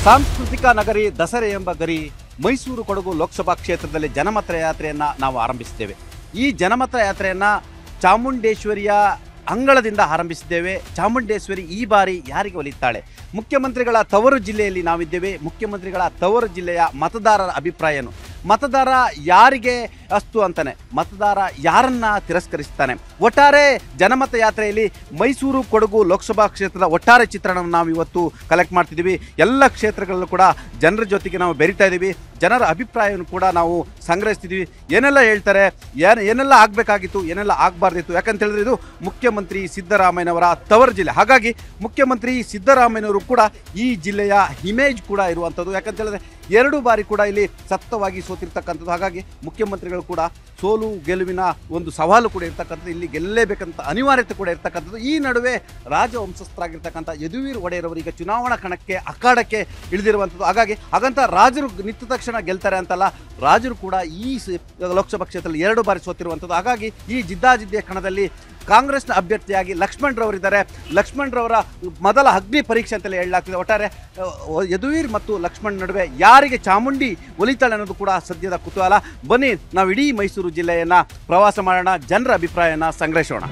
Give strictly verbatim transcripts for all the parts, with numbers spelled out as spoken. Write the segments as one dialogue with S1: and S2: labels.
S1: ಸಾಂಸ್ಕೃತಿಕ ನಗರಿ ದಸರೆ ಎಂಬ ಗರಿ ಮೈಸೂರು ಕೊಡಗು ಲೋಕಸಭಾ ಕ್ಷೇತ್ರದಲ್ಲಿ ಜನಮತ ಯಾತ್ರೆಯನ್ನು ನಾವು ಆರಂಭಿಸಿದ್ದೇವೆ. ಈ ಜನಮತ ಯಾತ್ರೆಯನ್ನು ಚಾಮುಂಡೇಶ್ವರಿಯ ಅಂಗಳದಿಂದ ಆರಂಭಿಸಿದ್ದೇವೆ. ಚಾಮುಂಡೇಶ್ವರಿ ಈ ಬಾರಿ ಯಾರಿಗೆ ಒಲಿತಾಳೆ? ಮುಖ್ಯಮಂತ್ರಿಗಳ ತವರು ಜಿಲ್ಲೆಯಲ್ಲಿ ನಾವಿದ್ದೇವೆ. ಮುಖ್ಯಮಂತ್ರಿಗಳ ತವರು ಜಿಲ್ಲೆಯ ಮತದಾರರ ಅಭಿಪ್ರಾಯ ಏನು? ಮತದಾರ ಯಾರಿಗೆ ಅಸ್ತು ಅಂತಾನೆ, ಮತದಾರ ಯಾರನ್ನ ತಿರಸ್ಕರಿಸ್ತಾನೆ? ಒಟ್ಟಾರೆ ಜನಮತ ಯಾತ್ರೆಯಲ್ಲಿ ಮೈಸೂರು ಕೊಡಗು ಲೋಕಸಭಾ ಕ್ಷೇತ್ರದ ಒಟ್ಟಾರೆ ಚಿತ್ರಣವನ್ನು ನಾವು ಇವತ್ತು ಕಲೆಕ್ಟ್ ಮಾಡ್ತಿದ್ದೀವಿ. ಎಲ್ಲ ಕ್ಷೇತ್ರಗಳಲ್ಲೂ ಕೂಡ ಜನರ ಜೊತೆಗೆ ನಾವು ಬೆರೀತಾ ಇದ್ದೀವಿ. ಜನರ ಅಭಿಪ್ರಾಯವನ್ನು ಕೂಡ ನಾವು ಸಂಗ್ರಹಿಸ್ತಿದ್ದೀವಿ. ಏನೆಲ್ಲ ಹೇಳ್ತಾರೆ, ಏನು ಏನೆಲ್ಲ ಆಗಬೇಕಾಗಿತ್ತು, ಏನೆಲ್ಲ ಆಗಬಾರ್ದಿತ್ತು. ಯಾಕಂತ ಹೇಳಿದ್ರೆ ಇದು ಮುಖ್ಯಮಂತ್ರಿ ಸಿದ್ದರಾಮಯ್ಯನವರ ತವರು ಜಿಲ್ಲೆ. ಹಾಗಾಗಿ ಮುಖ್ಯಮಂತ್ರಿ ಸಿದ್ದರಾಮಯ್ಯನವರು ಕೂಡ ಈ ಜಿಲ್ಲೆಯ ಇಮೇಜ್ ಕೂಡ ಇರುವಂಥದ್ದು. ಯಾಕಂತ ಹೇಳಿದ್ರೆ ಎರಡು ಬಾರಿ ಕೂಡ ಇಲ್ಲಿ ಸತ್ತವಾಗಿ ಸೋತಿರ್ತಕ್ಕಂಥದ್ದು. ಹಾಗಾಗಿ ಮುಖ್ಯಮಂತ್ರಿಗಳು ಕೂಡ ಸೋಲು ಗೆಲುವಿನ ಒಂದು ಸವಾಲು ಕೂಡ ಇರ್ತಕ್ಕಂಥದ್ದು. ಇಲ್ಲಿ ಗೆಲ್ಲಲೇಬೇಕಂತ ಅನಿವಾರ್ಯತೆ ಕೂಡ ಇರ್ತಕ್ಕಂಥದ್ದು. ಈ ನಡುವೆ ರಾಜವಂಶಸ್ಥರಾಗಿರ್ತಕ್ಕಂಥ ಯದುವೀರ್ ಒಡೆಯರವರು ಈಗ ಚುನಾವಣಾ ಕಣಕ್ಕೆ ಅಖಾಡಕ್ಕೆ ಇಳಿದಿರುವಂಥದ್ದು. ಹಾಗಾಗಿ ಹಾಗಂತ ರಾಜರು ನಿಂತ ತಕ್ಷಣ ಗೆಲ್ತಾರೆ ಅಂತಲ್ಲ, ರಾಜರು ಕೂಡ ಈ ಲೋಕಸಭಾ ಕ್ಷೇತ್ರದಲ್ಲಿ ಎರಡು ಬಾರಿ ಸೋತಿರುವಂಥದ್ದು. ಹಾಗಾಗಿ ಈ ಜಿದ್ದಾಜಿದ್ದಿಯ ಕಣದಲ್ಲಿ ಕಾಂಗ್ರೆಸ್ನ ಅಭ್ಯರ್ಥಿಯಾಗಿ ಲಕ್ಷ್ಮಣ್ ರವರಿದ್ದಾರೆ. ಲಕ್ಷ್ಮಣ್ ರವರ ಮೊದಲ ಅಗ್ನಿ ಪರೀಕ್ಷೆ ಅಂತಲೇ ಹೇಳಲಾಗ್ತಿದೆ. ಒಟ್ಟಾರೆ ಯದುವೀರ್ ಮತ್ತು ಲಕ್ಷ್ಮಣ್ ನಡುವೆ ಯಾರಿಗೆ ಚಾಮುಂಡಿ ಒಲಿತಾಳೆ ಅನ್ನೋದು ಕೂಡ ಸದ್ಯದ ಕುತೂಹಲ. ಬನ್ನಿ ನಾವು ಇಡೀ ಮೈಸೂರು ಜಿಲ್ಲೆಯನ್ನು ಪ್ರವಾಸ ಮಾಡೋಣ, ಜನರ ಅಭಿಪ್ರಾಯನ ಸಂಗ್ರಹಿಸೋಣ.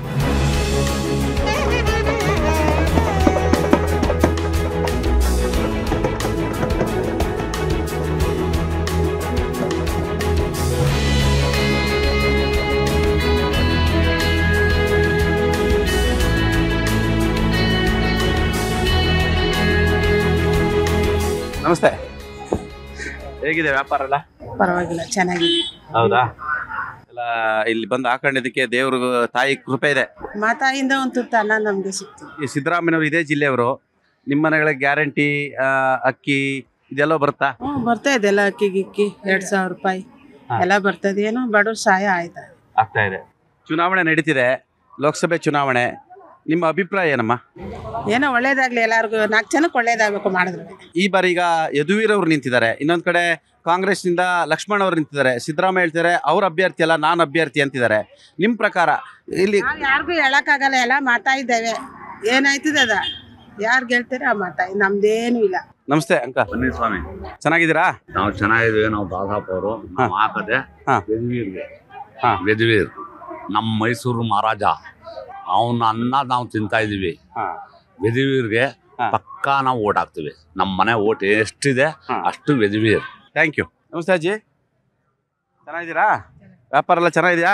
S1: ನಮಸ್ತೆ, ಹೇಗಿದೆ ವ್ಯಾಪಾರ ಎಲ್ಲ?
S2: ಪರವಾಗಿಲ್ಲ, ಚೆನ್ನಾಗಿದೆ.
S1: ಹೌದಾ? ಎಲ್ಲ ಇಲ್ಲಿ ಬಂದು ಹಾಕೊಂಡಿದ್ದಕ್ಕೆ ದೇವ್ರ ತಾಯಿ ಕೃಪೆ ಇದೆ.
S2: ಮಾತಾಯಿಂದ ಒಂದು ತುತ್ತು ಅನ್ನ ನಮ್ಗೆ ಸಿಕ್ತು.
S1: ಈ ಸಿದ್ದರಾಮಯ್ಯನವರು ಇದೇ ಜಿಲ್ಲೆಯವರು. ನಿಮ್ಮ ಮನೆಗಳಿಗೆ ಗ್ಯಾರಂಟಿ ಅಕ್ಕಿ ಇದೆಲ್ಲ ಬರುತ್ತಾ?
S2: ಹ್ಞೂ ಬರ್ತಾ ಇದೆ, ಎಲ್ಲ ಅಕ್ಕಿ ಗಿಕ್ಕಿ ಎರಡ್ ಸಾವಿರ ರೂಪಾಯಿ ಎಲ್ಲ ಬರ್ತದೆ. ಏನೋ ಬಡವ್ರ ಸಹಾಯ ಆಯ್ತಾ
S1: ಆಗ್ತಾ ಇದೆ. ಚುನಾವಣೆ ನಡೀತಿದೆ, ಲೋಕಸಭೆ ಚುನಾವಣೆ. ನಿಮ್ಮ ಅಭಿಪ್ರಾಯ ಏನಮ್ಮ?
S2: ಏನೋ ಒಳ್ಳೇದಾಗ್ಲಿ, ಎಲ್ಲರಿಗೂ ನಾಲ್ಕು ಜನಕ್ಕೆ ಒಳ್ಳೇದಾಗಬೇಕು ಮಾಡಿದ್ರೆ.
S1: ಈ ಬಾರಿ ಈಗ ಯದುವೀರ್ ಅವರು ನಿಂತಿದ್ದಾರೆ, ಇನ್ನೊಂದ್ ಕಡೆ ಕಾಂಗ್ರೆಸ್ನಿಂದ ಲಕ್ಷ್ಮಣ್ ಅವರು ನಿಂತಿದ್ದಾರೆ. ಸಿದ್ದರಾಮಯ್ಯ ಹೇಳ್ತಾರೆ ಅವ್ರ ಅಭ್ಯರ್ಥಿ ಅಲ್ಲ, ನಾನು ಅಭ್ಯರ್ಥಿ ಅಂತಿದ್ದಾರೆ. ನಿಮ್ಮ ಪ್ರಕಾರ ಇಲ್ಲಿ
S2: ಯಾರಿಗೂ ಹೇಳಕ್ಕಾಗಲ್ಲ, ಎಲ್ಲ ಮಾತಾ ಇದ್ದೇವೆ. ಏನಾಯ್ತದೆ ಅದ ಯಾರು ಗೆಲ್ತಾರೆ ಆ ಮಾತಾ, ನಮ್ದೇನು ಇಲ್ಲ.
S1: ನಮಸ್ತೆ ಅಂಕ.
S3: ಬನ್ನಿ ಸ್ವಾಮಿ,
S1: ಚೆನ್ನಾಗಿದ್ದೀರಾ?
S3: ನಾವು ಚೆನ್ನಾಗಿದ್ದೀವಿ. ನಾವು ದಾದಾಪ್ ಅವರು ನಾವು ಹಾಕದೆ ಯದುವೀರ್ಗೆ. ಯದುವೀರ್ ನಮ್ಮ ಮೈಸೂರು ಮಹಾರಾಜ, ಅವನ ಅನ್ನ ನಾವು ತಿಂತಾ ಇದೀವಿ. ಯದುವೀರ್ಗೆ ಪಕ್ಕಾ ನಾವು ಓಟ್ ಹಾಕ್ತಿವಿ. ನಮ್ಮ ಮನೆ ಓಟ್ ಎಷ್ಟಿದೆ ಅಷ್ಟು ಯದುವೀರ್.
S1: Thank you. ನಮಸ್ತೆ ಅಜ್ಜಿ, ಚೆನ್ನಾಗಿದ್ದೀರಾ? ವ್ಯಾಪಾರ ಎಲ್ಲ ಚೆನ್ನಾಗಿದೆಯಾ?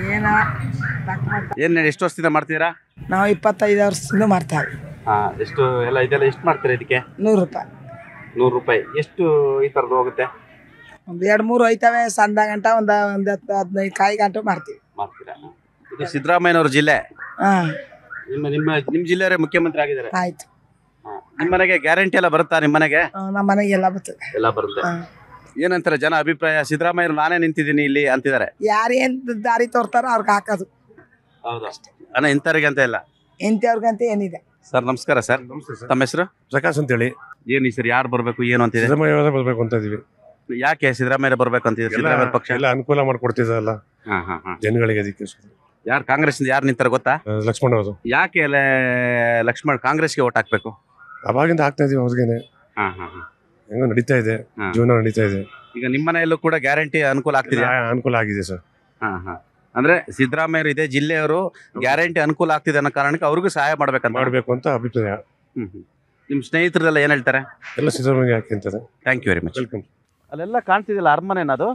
S1: ಏನ್ ಎಷ್ಟು ವರ್ಷದಿಂದ ಮಾಡ್ತೀರಾ?
S4: ನಾವು ಇಪ್ಪತ್ತೈದು ವರ್ಷದಿಂದ ಮಾಡ್ತೇವೆ.
S1: ಹಾ, ಎಷ್ಟು ಎಲ್ಲ ಇದೆಲ್ಲ ಎಷ್ಟು ಮಾಡ್ತೀರಾ ಇದಕ್ಕೆ?
S4: ನೂರು ರೂಪಾಯಿ.
S1: ನೂರು ರೂಪಾಯಿ ಎಷ್ಟು ಈ ಥರದ್ದು ಹೋಗುತ್ತೆ?
S4: ಒಂದು ಎರಡು ಮೂರು ಹೋಯ್ತವೆ. ಸಂದ ಗಂಟ ಒಂದು ಒಂದು ಹತ್ತು ಹದಿನೈದು ಕಾಯಿ ಗಂಟೆ ಮಾಡ್ತೀವಿ.
S1: ಮಾಡ್ತೀರಾ? ಇದು ಸಿದ್ದರಾಮಯ್ಯನವ್ರ ಜಿಲ್ಲೆ.
S4: ಹಾಂ,
S1: ನಿಮ್ಮ ನಿಮ್ಮ ನಿಮ್ಮ ಜಿಲ್ಲೆಯವರೇ ಮುಖ್ಯಮಂತ್ರಿ ಆಗಿದ್ದಾರೆ.
S4: ಆಯ್ತು.
S1: ನಿಮ್ಮ ಮನೆಗೆ ಗ್ಯಾರಂಟಿ ಎಲ್ಲ ಬರುತ್ತಾ? ನಿಮ್ಮ ಮನೆಗೆ
S4: ನಮ್ಮ ಮನೆಗೆ ಎಲ್ಲ ಬರ್ತದೆ.
S1: ಎಲ್ಲ ಬರುತ್ತೆ. ಏನಂತಾರೆ ಜನ ಅಭಿಪ್ರಾಯ? ಸಿದ್ದರಾಮಯ್ಯರು ನಾನೇ ನಿಂತಿದ್ದೀನಿ ಇಲ್ಲಿ ಅಂತಿದ್ದಾರೆ.
S4: ಯಾರು ಏನ್ ದಾರಿ ತೋರ್ತಾರೋ ಅವ್ರಿಗೆ ಹಾಕೋದು.
S1: ಹೌದಾ? ಅಣ್ಣ ಇಂಥವ್ರಿಗೆ ಅಂತ ಇಲ್ಲ,
S4: ಇಂಥವ್ರಿಗಂತ ಏನಿದೆ.
S1: ಸರ್ ನಮಸ್ಕಾರ. ಸರ್ ತಮ್ಮ ಹೆಸರು?
S5: ಪ್ರಕಾಶ್ ಅಂತೇಳಿ.
S1: ಏನು ಈ ಸರ್ ಯಾರು ಬರಬೇಕು ಏನು ಅಂತಿದೆ?
S5: ಸಿದ್ದರಾಮಯ್ಯ ಬರ್ಬೇಕು ಅಂತ ಇದೀವಿ.
S1: ಯಾಕೆ ಸಿದ್ದರಾಮಯ್ಯ ಬರ್ಬೇಕು ಅಂತಿದೆ? ಸಿದ್ದರಾಮಯ್ಯ ಪಕ್ಷ
S5: ಎಲ್ಲ ಅನುಕೂಲ ಮಾಡ್ಕೊಡ್ತಿದ್ದಲ್ಲ ಜನಗಳಿಗೆ. ಅದಕ್ಕೆ
S1: ಯಾರು ಕಾಂಗ್ರೆಸ್ ಯಾರು ನಿಂತಾರ ಗೊತ್ತಾ?
S5: ಲಕ್ಷ್ಮಣ್ ಅವರು.
S1: ಯಾಕೆ ಅಲ್ಲ ಲಕ್ಷ್ಮಣ್ ಕಾಂಗ್ರೆಸ್ಗೆ ಓಟ್ ಹಾಕ್ಬೇಕು?
S5: ಅವಾಗಿಂದ ಹಾಕ್ತಾ ಇದೀವಿ ಅವ್ರಿಗೇನೆ. ಹೆಂಗೋ ನಡೀತಾ ಇದೆ, ಜೀವನ ನಡೀತಾ ಇದೆ.
S1: ಈಗ ನಿಮ್ಮ ಮನೆಯಲ್ಲೂ ಕೂಡ ಗ್ಯಾರಂಟಿ ಅನುಕೂಲ ಆಗ್ತಿದೆ?
S5: ಅನುಕೂಲ ಆಗಿದೆ ಸರ್.
S1: ಹಾ ಹಾ ಅಂದ್ರೆ ಸಿದ್ದರಾಮಯ್ಯರು ಇದೇ ಜಿಲ್ಲೆಯವರು ಗ್ಯಾರಂಟಿ ಅನುಕೂಲ ಆಗ್ತಿದೆ ಅನ್ನೋ ಕಾರಣಕ್ಕೆ ಅವ್ರಿಗೂ ಸಹಾಯ ಮಾಡ್ಬೇಕಂತ
S5: ಮಾಡ್ಬೇಕು ಅಂತ ಅಭಿಪ್ರಾಯ.
S1: ಹ್ಮ್ ಹ್ಮ್ ನಿಮ್ ಸ್ನೇಹಿತರೆಲ್ಲ ಏನ್ ಹೇಳ್ತಾರೆ?
S5: ಎಲ್ಲ ಸಿದ್ದರಾಮಯ್ಯ ಹಾಕಿ ಅಂತಾರೆ.
S1: Thank you very much.
S5: Welcome.
S1: ಅಲ್ಲೆಲ್ಲ ಕಾಣ್ತಿದಿಲ್ಲ ಅರಮನೆನದು?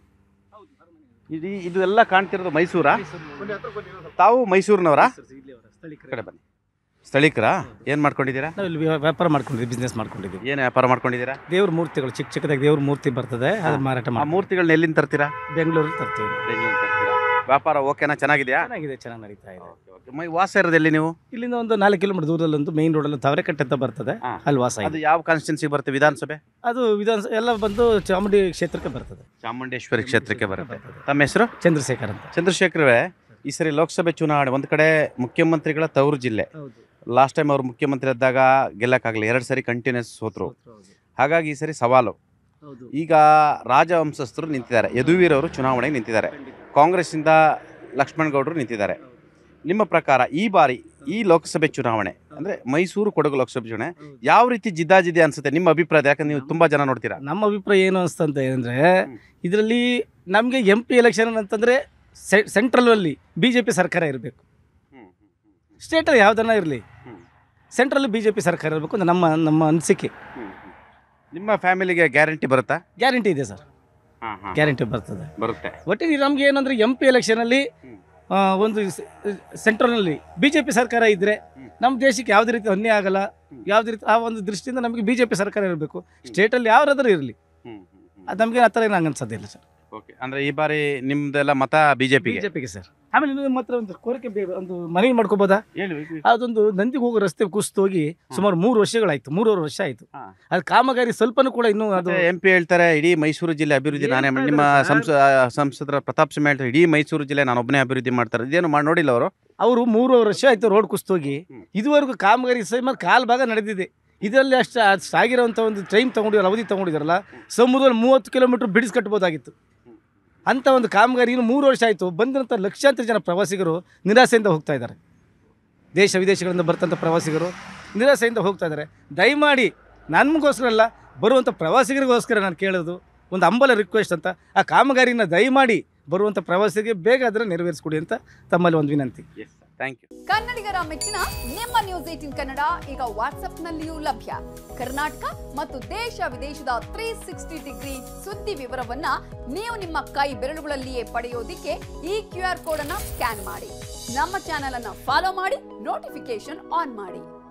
S1: ಇದು ಇದು ಎಲ್ಲ ಕಾಣ್ತಿರೋದು ಮೈಸೂರಾ? ತಾವು ಮೈಸೂರಿನವರಾ? ಕಡೆ ಬನ್ನಿ. ಸ್ಥಳೀಕರಾ? ಏನ್ ಮಾಡ್ಕೊಂಡಿದ್ದೀರಾ?
S6: ನಾವು ಇಲ್ಲಿ ವ್ಯಾಪಾರ ಮಾಡ್ಕೊಂಡಿದ್ದೀವಿ, ಬಿಸ್ನೆಸ್ ಮಾಡ್ಕೊಂಡಿದ್ದೀವಿ.
S1: ಏನು ವ್ಯಾಪಾರ ಮಾಡ್ಕೊಂಡಿದ್ದೀರಾ?
S6: ದೇವ್ರ ಮೂರ್ತಿಗಳು, ಚಿಕ್ಕ ಚಿಕ್ಕದಾಗಿ ದೇವ್ರ ಮೂರ್ತಿ ಬರ್ತದೆ, ಅದು ಮಾರಾಟ
S1: ಆ
S6: ಮಾಡಿ
S1: ಮೂರ್ತಿಗಳನ್ನ ಎಲ್ಲಿಂದ ತರ್ತೀರಾ?
S6: ಬೆಂಗಳೂರಲ್ಲಿ ತರ್ತೀವಿ.
S1: ಬೆಂಗಳೂರು ತರ್ತೀರಾ? ವ್ಯಾಪಾರ ಓಕೆನಾ? ಚೆನ್ನಾಗಿದೆಯಾ?
S6: ಚೆನ್ನಾಗಿದೆ, ಚೆನ್ನಾಗಿ ನಡೀತಾ ಇದೆ.
S1: ಮೈ ವಾಸ ಇರೋದೆಲ್ಲಿ ನೀವು?
S6: ಇಲ್ಲಿಂದ ಒಂದು ನಾಲ್ಕು ಕಿಲೋಮೀಟರ್ ದೂರದಲ್ಲಿ ಒಂದು ಮೇನ್ ರೋಡಲ್ಲಿ ತಾವರೆಕಟ್ಟೆ ಅಂತ ಬರ್ತದೆ, ಅಲ್ಲಿ ವಾಸ
S1: ಅದು
S6: ಇದೆ.
S1: ಯಾವ ಕಾನ್ಸ್ಟಿಟ್ಯೂನ್ಸಿ ಬರುತ್ತೆ? ವಿಧಾನಸಭೆ?
S6: ಅದು ವಿಧಾನ ಎಲ್ಲ ಬಂದು ಚಾಮುಂಡಿ ಕ್ಷೇತ್ರಕ್ಕೆ ಬರ್ತದೆ.
S1: ಚಾಮುಂಡೇಶ್ವರಿ ಕ್ಷೇತ್ರಕ್ಕೆ ಬರುತ್ತೆ. ತಮ್ಮ ಹೆಸರು?
S6: ಚಂದ್ರಶೇಖರ್ ಅಂತ.
S1: ಚಂದ್ರಶೇಖರವೇ, ಈ ಸರಿ ಲೋಕಸಭೆ ಚುನಾವಣೆ ಒಂದು ಕಡೆ ಮುಖ್ಯಮಂತ್ರಿಗಳ ತವರು ಜಿಲ್ಲೆ. ಲಾಸ್ಟ್ ಟೈಮ್ ಅವ್ರು ಮುಖ್ಯಮಂತ್ರಿ ಇದ್ದಾಗ ಗೆಲ್ಲಕ್ಕಾಗಲಿ, ಎರಡು ಸರಿ ಕಂಟಿನ್ಯೂಸ್ ಸೋತರು. ಹಾಗಾಗಿ ಈ ಸರಿ ಸವಾಲು. ಈಗ ರಾಜವಂಶಸ್ಥರು ನಿಂತಿದ್ದಾರೆ. ಯದುವೀರ್ ಅವರು ಚುನಾವಣೆಗೆ ನಿಂತಿದ್ದಾರೆ. ಕಾಂಗ್ರೆಸ್ಸಿಂದ ಲಕ್ಷ್ಮಣ್ ಗೌಡರು ನಿಂತಿದ್ದಾರೆ. ನಿಮ್ಮ ಪ್ರಕಾರ ಈ ಬಾರಿ ಈ ಲೋಕಸಭೆ ಚುನಾವಣೆ ಅಂದ್ರೆ ಮೈಸೂರು ಕೊಡಗು ಲೋಕಸಭೆ ಚುನಾವಣೆ ಯಾವ ರೀತಿ ಜಿದ್ದಾಜಿದ್ದೆ ಅನ್ಸುತ್ತೆ ನಿಮ್ಮ ಅಭಿಪ್ರಾಯ? ಯಾಕಂದ್ರೆ ನೀವು ತುಂಬಾ ಜನ ನೋಡ್ತೀರಾ.
S6: ನಮ್ಮ ಅಭಿಪ್ರಾಯ ಏನು ಅನಿಸ್ತಂತ ಅಂದರೆ ಇದರಲ್ಲಿ ನಮಗೆ ಎಂ ಪಿ ಎಲೆಕ್ಷನ್ ಅಂತಂದರೆ ಸೆಂಟ್ರಲಲ್ಲಿ ಬಿ ಜೆ ಪಿ ಸರ್ಕಾರ ಇರಬೇಕು. ಸ್ಟೇಟಲ್ಲಿ ಯಾವುದನ್ನ ಇರಲಿ ಸೆಂಟ್ರಲ್ಲಿ ಬಿ ಜೆ ಪಿ ಸರ್ಕಾರ ಇರಬೇಕು ಅಂತ ನಮ್ಮ ನಮ್ಮ ಅನಿಸಿಕೆ.
S1: ನಿಮ್ಮ ಫ್ಯಾಮಿಲಿಗೆ ಗ್ಯಾರಂಟಿ ಬರುತ್ತಾ?
S6: ಗ್ಯಾರಂಟಿ ಇದೆ ಸರ್, ಗ್ಯಾರಂಟಿ ಬರ್ತದೆ
S1: ಬರುತ್ತೆ.
S6: ಒಟ್ಟಿಗೆ ನಮ್ಗೆ ಏನಂದ್ರೆ ಎಂ ಪಿ ಎಲೆಕ್ಷನಲ್ಲಿ ಒಂದು ಸೆಂಟ್ರಲ್ನಲ್ಲಿ ಬಿ ಜೆ ಪಿ ಸರ್ಕಾರ ಇದ್ದರೆ ನಮ್ಮ ದೇಶಕ್ಕೆ ಯಾವುದೇ ರೀತಿ ಅನ್ಯಾಯ ಆಗಲ್ಲ. ಯಾವುದೇ ರೀತಿ ಆ ಒಂದು ದೃಷ್ಟಿಯಿಂದ ನಮಗೆ ಬಿ ಜೆ ಪಿ ಸರ್ಕಾರ ಇರಬೇಕು. ಸ್ಟೇಟಲ್ಲಿ ಯಾರಾದರೂ ಇರಲಿ, ಅದು ನಮಗೆ ಆ ಥರ ಏನು ಹಂಗೆ ಅನ್ಸೋದಿಲ್ಲ ಸರ್.
S1: ಓಕೆ, ಅಂದರೆ ಈ ಬಾರಿ ನಿಮ್ಮದೆಲ್ಲ ಮತ ಬಿ ಜೆ ಪಿಗೆ?
S6: ಬಿ ಜೆ ಪಿಗೆ ಸರ್. ಆಮೇಲೆ ನೀವು ನಿಮ್ಮ ಹತ್ರ ಒಂದು ಕೋರಿಕೆ ಬೇ- ಒಂದು ಮನವಿ ಮಾಡ್ಕೋಬೋದಾ?
S1: ಹೇಳಿ.
S6: ಅದೊಂದು ನಂದಿಗೆ ಹೋಗೋ ರಸ್ತೆ ಕುಸಿದು ಹೋಗಿ ಸುಮಾರು ಮೂರು ವರ್ಷಗಳಾಯ್ತು, ಮೂರುವರೆ ವರ್ಷ ಆಯಿತು.
S1: ಹಾ.
S6: ಅದು ಕಾಮಗಾರಿ ಸ್ವಲ್ಪನೂ ಕೂಡ ಇನ್ನೂ ಅದು
S1: ಎಂ ಪಿ ಹೇಳ್ತಾರೆ ಇಡೀ ಮೈಸೂರು ಜಿಲ್ಲೆ ಅಭಿವೃದ್ಧಿ ನಾನೇ ಮಾಡಿ. ನಿಮ್ಮ ಸಂಸ ಸಂಸದರ ಪ್ರತಾಪ್ ಸಿಂಹ ಹೇಳ್ತಾರೆ ಇಡೀ ಮೈಸೂರು ಜಿಲ್ಲೆ ನಾನು ಒಬ್ಬನೇ ಅಭಿವೃದ್ಧಿ ಮಾಡ್ತಾರೆ. ಇದೇನು ಮಾಡಿ ನೋಡಿಲ್ಲ ಅವರು?
S6: ಅವರು ಮೂರುವರೆ ವರ್ಷ ಆಯಿತು ರೋಡ್ ಕುಸಿದೋಗಿ. ಇದುವರೆಗೂ ಕಾಮಗಾರಿ ಸಹ ಕಾಲು ಭಾಗ ನಡೆದಿದೆ. ಇದರಲ್ಲಿ ಅಷ್ಟು ಅಷ್ಟು ಆಗಿರೋಂಥ ಒಂದು ಟೈಮ್ ತೊಗೊಂಡಿರೋ ಅವಧಿ ತೊಗೊಂಡಿದ್ದಾರಲ್ಲ, ಸಮುದ್ರದಲ್ಲಿ ಮೂವತ್ತು ಕಿಲೋಮೀಟ್ರ್ ಬಿಡಿಸಿ ಕಟ್ಬೋದಾಗಿತ್ತು. ಅಂಥ ಒಂದು ಕಾಮಗಾರಿ ಇನ್ನು ಮೂರು ವರ್ಷ ಆಯಿತು. ಬಂದಂಥ ಲಕ್ಷಾಂತರ ಜನ ಪ್ರವಾಸಿಗರು ನಿರಾಸೆಯಿಂದ ಹೋಗ್ತಾ ಇದ್ದಾರೆ. ದೇಶ ವಿದೇಶಗಳಿಂದ ಬರ್ತಂಥ ಪ್ರವಾಸಿಗರು ನಿರಾಸೆಯಿಂದ ಹೋಗ್ತಾ ಇದ್ದಾರೆ. ದಯಮಾಡಿ ನಮಗೋಸ್ಕರ ಅಲ್ಲ, ಬರುವಂಥ ಪ್ರವಾಸಿಗರಿಗೋಸ್ಕರ ನಾನು ಕೇಳೋದು ಒಂದು ಹಂಬಲ ರಿಕ್ವೆಸ್ಟ್ ಅಂತ, ಆ ಕಾಮಗಾರಿನ ದಯಮಾಡಿ ಬರುವಂಥ ಪ್ರವಾಸಿಗರಿಗೆ ಬೇಗ ಅದನ್ನು ನೆರವೇರಿಸ್ಕೊಡಿ ಅಂತ ತಮ್ಮಲ್ಲಿ ಒಂದು ವಿನಂತಿ.
S1: Thank you.
S7: ಕನ್ನಡಿಗರ ಮೆಚ್ಚಿನ ನಿಮ್ಮ ನ್ಯೂಸ್ ಏಟೀನ್ ಕನ್ನಡ ಈಗ ವಾಟ್ಸ್ಆಪ್ನಲ್ಲಿಯೂ ಲಭ್ಯ. ಕರ್ನಾಟಕ ಮತ್ತು ದೇಶ ವಿದೇಶದ ತ್ರೀ ಸಿಕ್ಸ್ಟಿ ಡಿಗ್ರಿ ಸುದ್ದಿ ವಿವರವನ್ನ ನೀವು ನಿಮ್ಮ ಕೈ ಬೆರಳುಗಳಲ್ಲಿಯೇ ಪಡೆಯೋದಿಕ್ಕೆ ಈ ಕ್ಯೂ ಆರ್ ಕೋಡ್ ಅನ್ನ ಸ್ಕ್ಯಾನ್ ಮಾಡಿ. ನಮ್ಮ ಚಾನೆಲ್ ಅನ್ನ ಫಾಲೋ ಮಾಡಿ, ನೋಟಿಫಿಕೇಶನ್ ಆನ್ ಮಾಡಿ.